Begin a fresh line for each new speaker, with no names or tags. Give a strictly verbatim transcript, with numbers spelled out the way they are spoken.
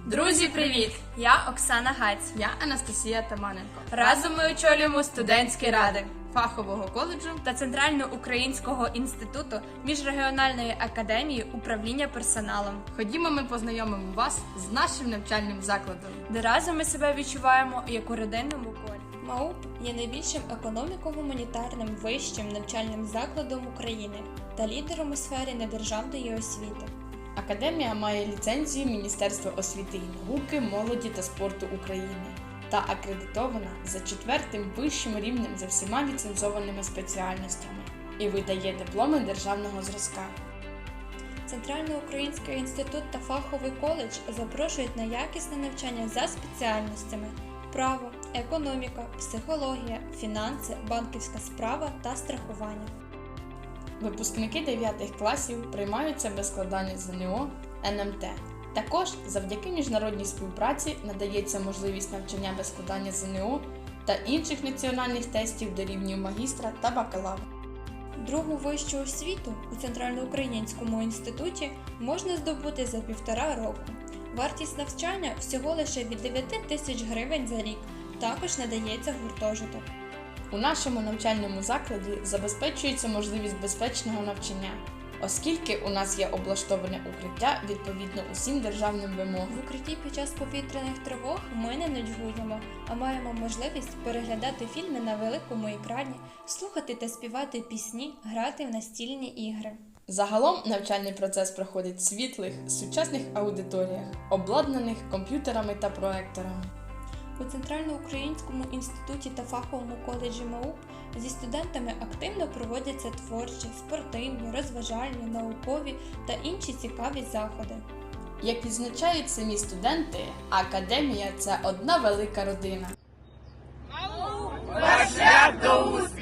Друзі, привіт! Я Оксана Гаць.
Я Анастасія Таманенко.
Разом ми очолюємо студентські ради
фахового коледжу
та Центрально-Українського інституту міжрегіональної академії управління персоналом,
Ходімо, ми познайомимо вас з нашим навчальним закладом,
де разом ми себе відчуваємо як у родинному колі. МАУП є найбільшим економіко-гуманітарним вищим навчальним закладом України та лідером у сфері недержавної освіти.
Академія має ліцензію Міністерства освіти і науки, молоді та спорту України та акредитована за четвертим вищим рівнем за всіма ліцензованими спеціальностями і видає дипломи державного зразка.
Центрально-Український інститут та фаховий коледж запрошують на якісне навчання за спеціальностями право, економіка, психологія, фінанси, банківська справа та страхування.
Випускники дев'ятих класів приймаються без складання ЗНО, ен ем те. Також завдяки міжнародній співпраці надається можливість навчання без складання ЗНО та інших національних тестів до рівнів магістра та бакалавра.
Другу вищу освіту у Центрально-Українському інституті можна здобути за півтора року. Вартість навчання всього лише від дев'яти тисяч гривень за рік, також надається гуртожиток.
У нашому навчальному закладі забезпечується можливість безпечного навчання, оскільки у нас є облаштоване укриття відповідно усім державним вимогам.
В укритті під час повітряних тривог ми не нудьгуємо, а маємо можливість переглядати фільми на великому екрані, слухати та співати пісні, грати в настільні ігри.
Загалом навчальний процес проходить в світлих, сучасних аудиторіях, обладнаних комп'ютерами та проекторами.
У Центрально-Українському інституті та фаховому коледжі МАУП зі студентами активно проводяться творчі, спортивні, розважальні, наукові та інші цікаві заходи.
Як відзначають самі студенти, академія – це одна велика родина.
МАУП – ваш шлях до успіху!